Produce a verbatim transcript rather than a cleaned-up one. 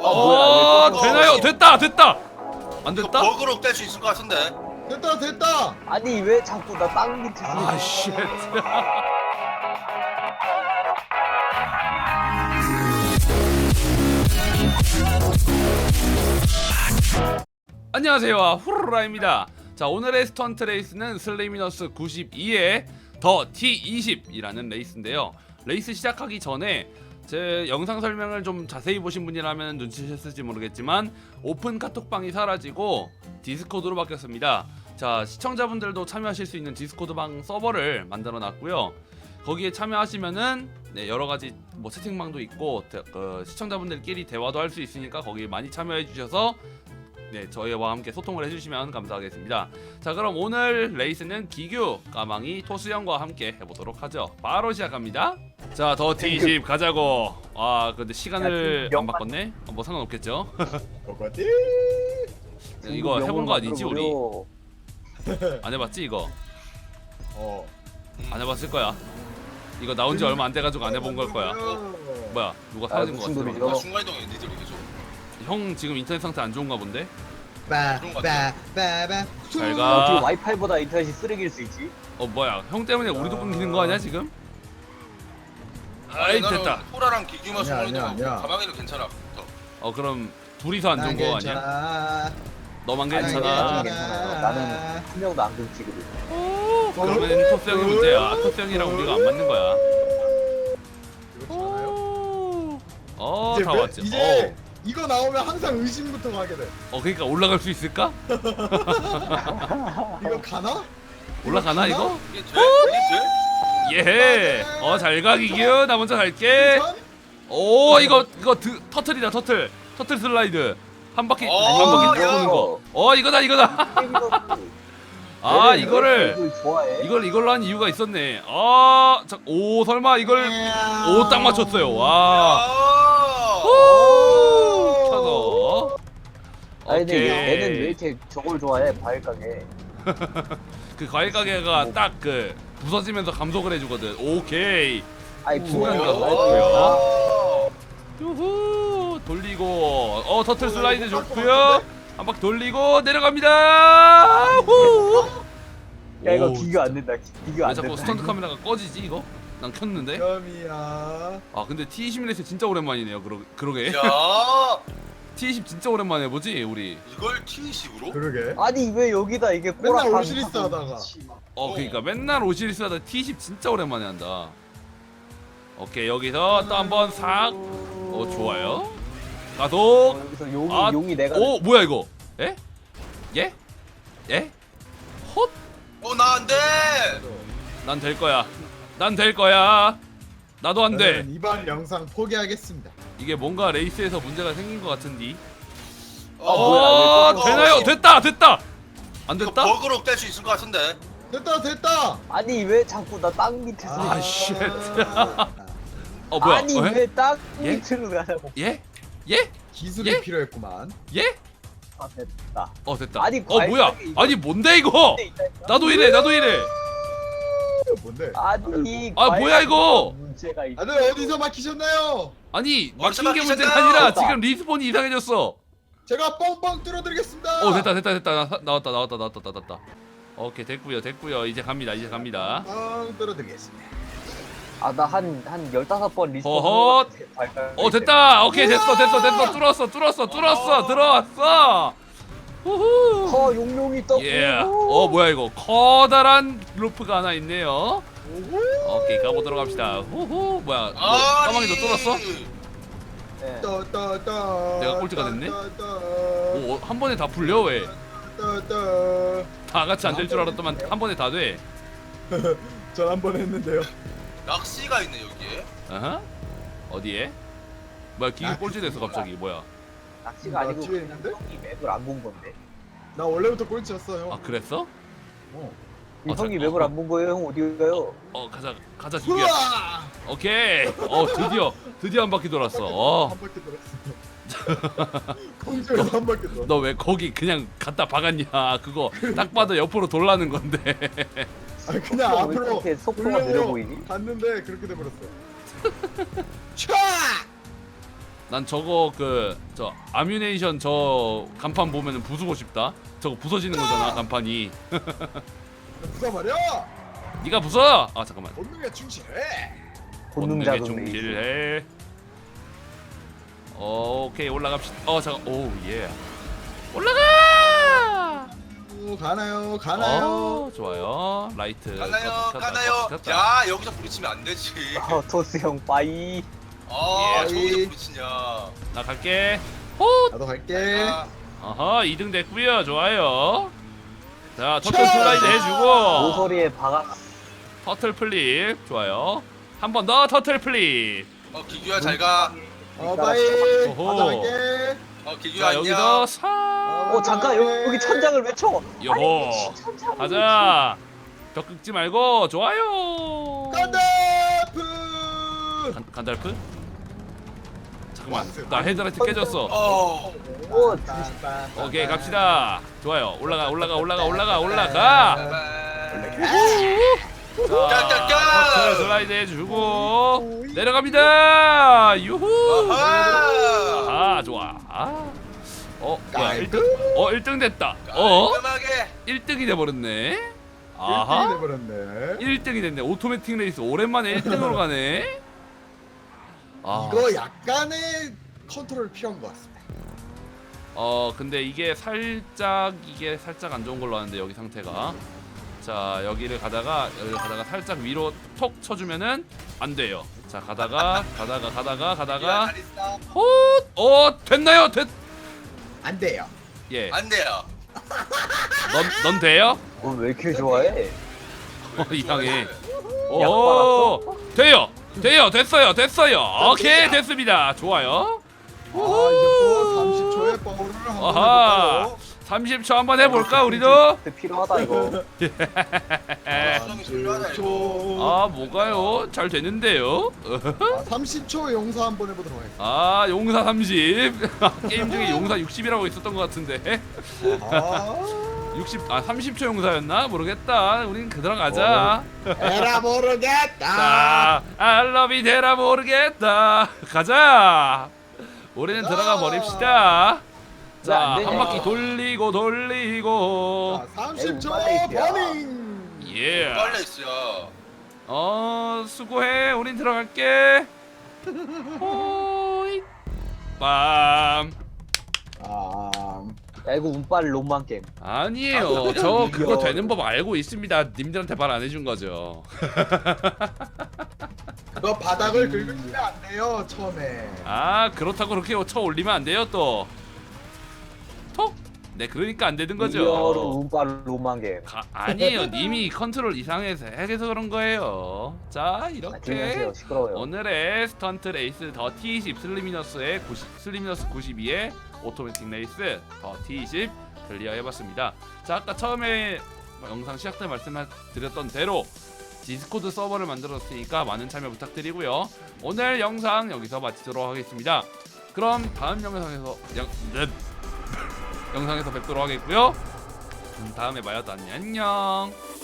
어, 뭐야, 되나요? 됐다, 됐다. 안 됐다? 버그로 뗄 수 있을 것 같은데. 됐다 됐다. 아니 왜 자꾸 나 땅 밑에 아, 쉣. 안녕하세요, 후루라입니다. 자, 오늘의 스턴트 레이스는 슬레이미너스 구십이의 더 티 이십이라는 레이스인데요. 레이스 시작하기 전에 제 영상 설명을 좀 자세히 보신 분이라면 눈치채셨을지 모르겠지만 오픈 카톡방이 사라지고 디스코드로 바뀌었습니다. 자, 시청자분들도 참여하실 수 있는 디스코드방 서버를 만들어 놨고요. 거기에 참여하시면은 네, 여러 가지 뭐 채팅방도 있고 대, 그 시청자분들끼리 대화도 할 수 있으니까 거기 많이 참여해 주셔서 네, 저희와 함께 소통을 해주시면 감사하겠습니다. 자, 그럼 오늘 레이스는 기규, 까망이, 토수형과 함께 해보도록 하죠. 바로 시작합니다. 자, 더 티 이십 가자고. 아, 근데 시간을 안 바꿨네? 어, 뭐 상관없겠죠. 뭐가지? 이거 해본 거 아니지 우리? 안 해봤지 이거? 어. 안 해봤을 거야. 이거 나온 지 얼마 안 돼가지고 안 해본 걸 거야. 뭐야, 누가 사라진 거 무슨 같아. 소리죠? 나 순간이동해 니들이 계속. 형 지금 인터넷 상태 안 좋은가 본데? 빠빠빠빠. 잘 어떻게 가. 와이파이보다 인터넷이 쓰레기일 수 있지? 어, 뭐야, 형 때문에 우리도 끊기는 거 아니야 지금? 아이, 됐다. 호라랑 기규만 아니야, 순간이동하고 아니야, 아니야. 가방이는 괜찮아. 더. 어, 그럼 둘이서 안 좋은 거 아니야? 아니야? 너만 아니, 괜찮아. 괜찮아요. 나는 한 명도 안 끊기거든. 오, 그러면 토스형이 문제야. 토스형이랑 우리가 안 맞는 거야. 이거 좋아요? 어, 이제 다 몇- 왔지. 이제 이거 나오면 항상 의심부터 가게 돼. 어, 어, 그러니까 올라갈 수 있을까? 이거 가나? 올라가나 이거? 이게 돼? 이게 돼? 예. 어, 잘 가 기규. 나 먼저 갈게. 전? 오, 이거 이거 드, 터틀이다 터틀. 터틀 슬라이드. 한 바퀴 어, 한 바퀴 야. 도는 거. 어, 이거다 이거다. 아, 이거를 이걸 좋아해? 이걸 이걸로 한 이유가 있었네. 아, 자, 오, 설마 이걸 오, 딱 맞췄어요. 와. 야. 오, 쳐서. 아니 근데 오케이. 얘는 왜 이렇게 저걸 좋아해? 과일 가게. 그 과일 가게가 딱 그 부서지면서 감속을 해주거든. 오케이. 아니 순간 부엉이가 가서 과일 가게. 좋고요. 유후, 돌리고 어 터틀 슬라이드 좋고요. 한 바퀴 돌리고 내려갑니다. 후. 야 이거 오, 비교 안 된다. 비교 왜 안 자꾸 된다. 스턴트 카메라가 꺼지지 이거? 난 켰는데. 점이야. 아, 근데 티 이십 레이스 진짜 오랜만이네요. 그러 그러게. 야. 티 이십 진짜 오랜만에 보지 우리. 이걸 티 이십으로? 그러게. 아니 왜 여기다 이게 꼬라 맨날 오시리스 하다가. 어, 그러니까 맨날 오시리스 하다 티 이십 진짜 오랜만에 한다. 오케이, 여기서 또 한번 싹. 어, 좋아요. 가속. 여기서 용이 아, 용이 내가 오, 뭐야 이거? 에? 예? 예? 헛? 어, 나 안 돼. 난 될 거야. 난 될 거야. 나도 안 돼. 저는 이번 영상 포기하겠습니다. 이게 뭔가 레이스에서 문제가 생긴 것 같은디. 어, 뭐야, 어, 왜 되나요? 됐다, 됐다. 안 이거 됐다? 버그로 뗄 수 있을 것 같은데. 됐다 됐다. 아니 왜 자꾸 나 땅 밑에서 아, 쉣. 아, 어, 뭐야? 아니 어, 예? 왜 땅 예? 밑으로 가냐고. 예? 예? 기술이 예? 필요했구만. 예? 아 됐다. 어, 됐다. 아니, 어, 과일 뭐야? 가게 이거- 아니, 뭔데 이거? 나도 이래, 나도 이래. 이거 뭔데? 아니 아, 뭐야, 이거? 문제가 있. 다들 어디서 막히셨나요? 아니, 어디서 막힌 게 문제가 막히셨나요? 아니라 됐다. 지금 리스폰이 이상해졌어. 제가 뻥뻥 뚫어드리겠습니다. 어, 됐다, 됐다, 됐다. 나, 나왔다, 나왔다, 나왔다, 나왔다. 오케이, 됐고요, 됐고요. 이제 갑니다, 이제 갑니다. 뻥 뚫어드리겠습니다. 아나 한 한 열다섯 번 리스폰. 허헛. 어, 됐다. 오케이, 됐어, 됐어, 됐어. 뚫었어, 뚫었어, 뚫었어, 들어왔어. 후후. 허 용룡이 떴고. 예. 어, 뭐야 이거? 커다란 루프가 하나 있네요. 오호. 오케이, 가보도록 합시다. 후후. 뭐야? 뭐, 아, 까마귀도 뚫었어? 네. 따따따. 내가 꼴찌가 됐네? 따따따. 오, 한 번에 다 풀려 왜? 따따. 다 같이 안 될 줄 알았더만 한 번에 다 돼. 전 한 번 했는데요. 낚시가 있네 여기에. 어허? 어디에? 뭐야, 기계 꼴찌 됐어 갑자기. 뭐야? 낚시가 아니고 나 뒤에 있는데? 형이 맵을 안 본 건데. 나 원래부터 꼴찌였어 형. 아, 그랬어? 어. 이 어, 형이 자, 맵을 어, 안 본 거예요? 형 어디 가요? 어, 가자, 가자 기계야. 우와! 오케이. 어, 드디어, 드디어 한 바퀴 돌았어. 어. 한 바퀴 돌았어. 공주에서 한 바퀴 돌았어. 너 왜 거기 그냥 갖다 박았냐? 그거 딱 봐도 옆으로 돌라는 건데. 아 그냥 왜 앞으로 이렇게 속도가 돌려고 느려 보이니? 갔는데 그렇게 돼버렸어. 차! 난 저거 그 저 아뮤네이션 저 간판 보면은 부수고 싶다. 저거 부서지는 거잖아 간판이. 부숴 말이야. 네가 부숴. 아 잠깐만. 본능에 충실해. 본능 본능에 자금 레이스. 충실해. 어, 오케이 올라갑시다. 어 잠깐. 오 예. 올라가. 오, 가나요 가나요. 어 좋아요. 라이트. 가나요 껐다, 가나요. 껐다, 껐다. 야 여기서 부딪히면 안 되지. 어, 토스 형 빠이. 아 예. 저기서 부딪히냐. 나 갈게. 호. 나도 갈게. 아, 어허 이 등 됐고요. 좋아요. 자 터틀 차! 슬라이드 해주고. 모서리에 박아. 터틀 플립 좋아요. 한 번 더 터틀 플립. 어 기규야 잘 가. 어 바이. 오호. 가져갈게. 어 기규야 자 안녕. 여기서 사. 어 잠깐 여기, 여기 천장을 왜 쳐? 요호. 아니, 천장을 가자. 벽 긁지 말고 좋아요. 간다프. 간, 간달프? 잠깐만 왔어요. 나 헤드라이트 깨졌어. 어. 왜 쳐? 오 잠시. 오케이 갑시다. 좋아요. 올라가 올라가 올라가 올라가 올라가. 자 까! 터틀 슬라이드 해주고 내려갑니다. 유후. 아하. 아 좋아. 아. 어 뭐야 깔끔. 일 등? 어 일 등 됐다. 어? 깔끔하게. 일 등이 돼버렸네. 일 등이 아하. 돼버렸네. 일 등이 됐네. 오토매틱 레이스 오랜만에 일 등으로 가네. 아. 이거 약간의 컨트롤 필요한 것 같습니다. 어 근데 이게 살짝 이게 살짝 안 좋은 걸로 아는데 여기 상태가. 자 여기를 가다가 여기를 가다가 살짝 위로 톡 쳐주면은 안 돼요. 자 가다가 가다가 가다가 가다가 잘 있어. 헛! 어 됐나요? 됐. 안 돼요. 예. 안 돼요. 넌 넌 돼요? 넌왜 이렇게 좋아해? 어, 이상해. 약 오 돼요. 돼요. 됐어요. 됐어요. 오케이 됐습니다. 좋아요. 아 이제부터 삼십 초에 버블을 한번 아하. 해볼까요? 삼십 초 한번 해볼까 우리도? 필요하다 이거. 수정이 중요하다 이거. 삼십 초. 아 뭐가요? 잘 되는데요? 아, 삼십 초 용사 한번 해보도록 하겠습니다. 아 용사 삼십 게임 중에 용사 육십이라고 있었던 것 같은데 아, 육십 아 삼십 초 용사였나 모르겠다. 우린 그대로 가자. 에라 모르겠다. 자 알러비 데라 모르겠다. 가자. 우리는 가자. 들어가 버립시다. 왜 자 안 되냐? 한 바퀴 돌리고 돌리고. 자, 삼십 초 에이, 빨리 버닝. 예. 빨려 있어. 어 수고해. 우린 들어갈게. 호이. 빰. 아, 야 이거 운빨 롬만 게임. 아니에요. 저 그거 되는 법 알고 있습니다. 님들한테 말 안 해준 거죠. 그거 바닥을 긁으시면 안 돼요 처음에. 아 그렇다고 그렇게 쳐 올리면 안 돼요 또. 톡. 네 그러니까 안 되는 리얼로 거죠. 운빨 롬만 게임. 가, 아니에요. 님이 컨트롤 이상해서 해서 그런 거예요. 자 아, 이렇게 들면서요 시끄러워요. 오늘의 스턴트 레이스 더 티 이십 슬리미너스의 구십, 슬리미너스 구십이의 오토매틱 레이스 더 티 이십 클리어 해봤습니다. 자 아까 처음에 영상 시작 때 말씀드렸던 대로 디스코드 서버를 만들었으니까 많은 참여 부탁드리고요. 오늘 영상 여기서 마치도록 하겠습니다. 그럼 다음 영상에서 영, 네. 영상에서 뵙도록 하겠고요. 음, 다음에 봐요. 안녕.